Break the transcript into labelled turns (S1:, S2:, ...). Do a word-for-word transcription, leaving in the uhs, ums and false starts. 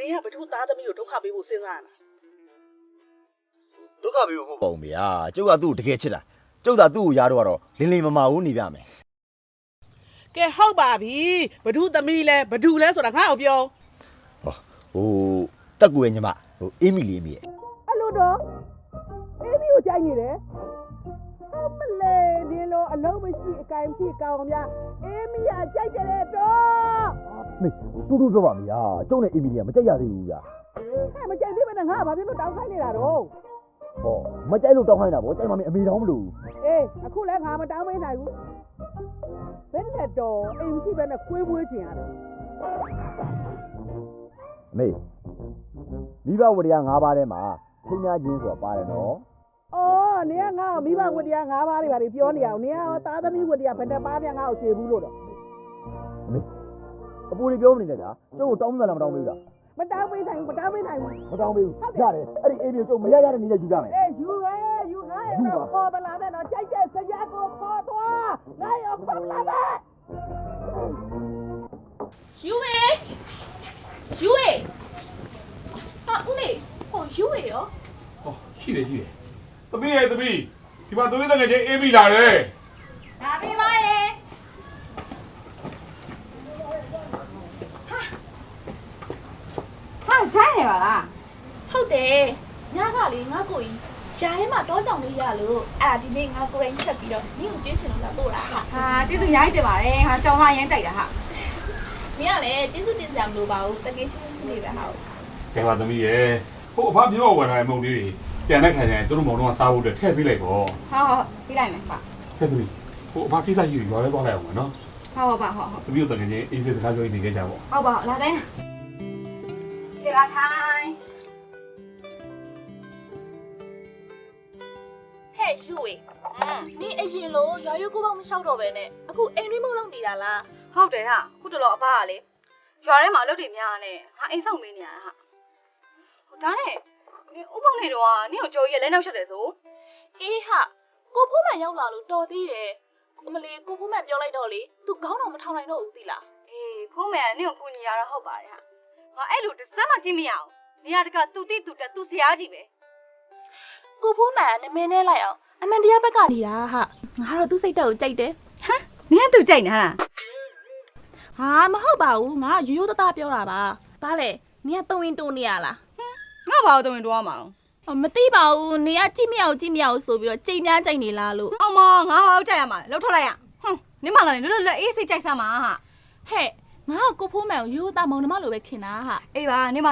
S1: ကဘသူသားသမီးကိုဒုက္ခပေးဖို့စဉ်းစားနေတာ
S2: ဒုက္ခပေးဖို့မဟုတ်ပါဘူးမေယာကျုပ်ကသူ့ကိုတကယ်ချစ်တာကျုပ်သာသူ့ကိုရားတော့ကတော့လင်းလင်းမမာဘူးနေပြမယ်
S1: ကဲဟုတ်ပါပြီဘသူသမီးလဲဘသူလဲဆိုတာငါ့ကိုပြော
S2: ဟောဟိုတက်ကူရဲ့ညီမဟိုအေးမီလေးမေရဲ့
S1: အဲ့လိုတော့အေးမီကိုကြိုက်နေတယ်အမလေးဒီလိုအလုံးမရှိအကင်မရှိကောင်းများအေးမီကကြိုက်တယ်တော့
S2: မေတူတူပြောပါမေယာကျုပ်နဲ့အေးမီလေးကမကြိုက်ရသေးဘူးဗျာ
S1: ဟဲ့မကြိုက်သေးဘဲနဲ့ငါကဘာဖြစ်လို့တောင်းခိုင်းနေတာတော့
S2: ဟောမကြိုက်လို့တောင်းခိုင်းတာဗောကြိုက်မှမအမေတောင်းမလို့
S1: အေးအခုလဲငါမတောင်းမနိုင်ဘူးဘယ်နဲ့တော့အိမ်မရှိဘဲနဲ့ခွေးမွေးချင်ရတယ်
S2: အမေမိဘဝတရား၅ပါးထဲမှာထိမ်းများခြင်းဆိုတာပါတယ်နော်
S1: အော်နေကငါ့ကိုမိဘဝတ္တရား၅ပါးတွေပါပြောနေအောင်နေကရောသားသမီးဝတ္တရားဘယ်နှပါးပြန်ငါ့ကိုခြေဘူးလို့တော့
S2: အမေအပူလေးပြောမနေနဲ့ဗျာကျုပ်ကိုတောင်းမှလားမတောင်းဘူးလား
S1: မတောင်းပေးနိုင်ဘူးမတောင်းပေးနိုင်ဘူး
S2: မတောင်းဘူးရတယ်အဲ့ဒီအေးမီကိုကျုပ်မရရတဲ့နည်းနဲ့ယူကြမယ်
S1: အေးယူရဲယူငါရဲ့တော့ခေါ်ပလာတဲ့တော့ကြိုက်တဲ့ဆရာကိုခေါ်သွားငါရောခေါ်လာမယ်
S3: ယူဝေယူဝေဟာဦးလေးဟိုယူဝေရော
S4: ဟောရှိတယ်ရှိတယ်သမီးရဲ့သမီးဒီမှာသမီးတကယ်ချင်းအေးမိလာတယ်
S3: ဒါပေးပါရဲ့ဟာဂျိုင်းနေပါလားဟုတ်တယ်ညကလေငါကိုကြီးရှားထဲမှာတောကြောင်လေးရလို့အဲ့ဒါဒီနေ့ငါကိုရင်ချက်ပြီးတော့နင်းကိုကျွေးရှင်လို့လာပို့တာဟာ
S5: ဟာကျေးဇူးရိုင်းတင်ပါတယ်ဟာကြောင်မရမ်းကြိုက်တာဟာ
S3: မင်းကလည်းကျေးဇူးတင်စရာမလိုပါဘူးတကယ်ချင်းချင်းနေပဲဟာ
S4: ကဲပါသမီးရဲ့ဟိုအဖပြောဝင်လာတဲ့မုံလေးတွေပြန်တဲ့ခါကျရင်သူတို့မုံတော့စားဖို့အတွက်ထည့်ပေးလိုက်ပေါ့
S5: ဟာဟောပြီးလိုက်မယ်ပါ
S4: ကဲသမီးဟိုအဖကိစ္စကြီးရွာလဲသွားလိုက်အောင်နော်
S5: ဟောဟောပါဟောဟော
S4: သမီးတို့တကယ်ချင်းအေးစစ်စကားပြောနေကြကြပေါ့
S5: ဟောပါလာတိုင်းဒီလာထိုင်
S3: ဟဲ့ယူဝေနင်းအရင်လို့ရွာရွကိုပေါင်းမလျှောက်တော့ပဲနဲ့အခုအိမ်ရင်းမုံလုံးနေတာလား
S5: ဟုတ်တယ်ဟာခုတလောအဖကလေရွာထဲမှာအလုပ်တွေများနေဟာအိမ်ဆောင်မေးနေရတာဟာဟိုဒါနဲ့နေဥပုံနေတော့နင့်ကိုကြော်ကြီးလက်နောက်ချက်တယ်ဆို
S3: အေးဟာကိုဖိုးမှန်ရောက်လာလို့တော်သေးတယ်အမလီကိုဖိုးမှန်ပြောလိုက်တော့လေသူခေါင်းတော်မထောင်နိုင်တော့ဘူးသီလား
S5: အေးဖုံးမယ်ကနင့်ကိုကူညီရတော့ဟုတ်ပါတယ်ဟာငါအဲ့လိုတစ်စက်မှကြည့်မရအောင်နေရာတကသူတိသူတက်သူစရာကြီးပဲ
S3: ကိုဖိုးမှန်နမင်းနဲ့လိုက်အောင်အမှန်တရားဘက်ကနေတာဟာငါတော့သူ့စိတ်တက်ကိုကြိုက်တယ်
S5: ဟမ်နင်ကသူကြိုက်နေတာ
S3: ဟာမဟုတ်ပါဘူးငါရိုးရိုးသားသားပြောတာပါဘာလဲနင်ကတုံရင်တုံနေရလား
S5: ငါဘာလို့တုံရင်တော့ရမှာအောင်
S3: မသိပါဘူးနင်ကကြည့်မရအောင်ကြည့်မရအောင်ဆိုပြီးတော့ကြိမ်များကြိုက်နေလားလို့
S5: အောင်မငါဟောက်ကြရမှာလှုပ်ထွက်လိုက်ရဟွန်းနင်မလာနေလွတ်လွတ်အေးစိတ်ကြိုက်စမ်းပါဟာ
S3: ဟဲ့ငါကကိုဖိုးမှန်ကိုရိုးရိုးသားမောင်နှမလိုပဲခင်တာဟာ
S5: အေးပါနင်မ